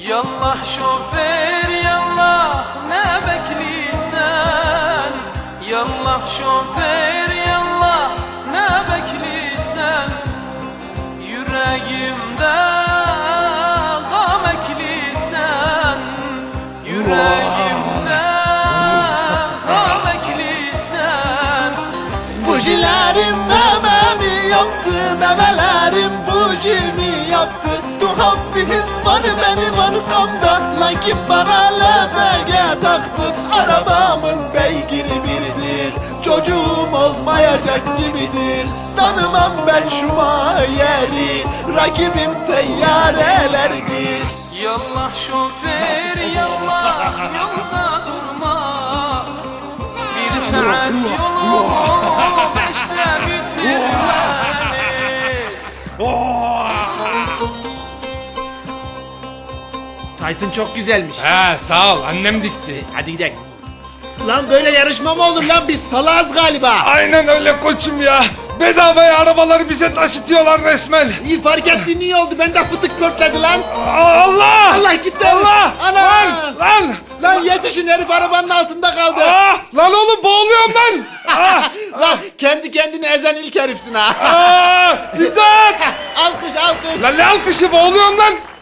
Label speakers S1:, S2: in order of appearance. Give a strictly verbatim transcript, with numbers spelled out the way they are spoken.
S1: Yallah şoför yallah ne bekliysen, yallah şoför yallah ne bekliysen, yüreğimde gam ekliysen, yüreğimde gam ekliysen.
S2: Bujilerim mememi yaptı, memelerim bujimi yaptı. Tuhaf bir his var benim arkamda, lakin bana L P G taktın. Arabamın beygiri biridir, çocuğum olmayacak gibidir. Tanımam ben şu yeri, rakibim teyyarelerdir.
S1: Yallah şoför yallah yolda durma, bir saat yolu beşte bitirmeli.
S2: Taytın çok güzelmiş.
S3: He sağ ol, annem dikti.
S2: Hadi gidelim. Lan böyle yarışma mı olur lan, biz salağız galiba.
S3: Aynen öyle koçum ya. Bedavaya arabaları bize taşıtıyorlar resmen.
S2: İyi fark ettiğin iyi oldu, ben de fıtık pörtledi lan.
S3: Allah!
S2: Allah gitti.
S3: Allah!
S2: Ana!
S3: Lan! Lan!
S2: Lan yetişin, herif arabanın altında kaldı.
S3: Ah! Lan oğlum boğuluyorum lan! Ah!
S2: Lan kendi kendini ezen ilk herifsin ha.
S3: Ah! İmdat!
S2: Alkış alkış.
S3: Lan ne alkışı, boğuluyorum lan!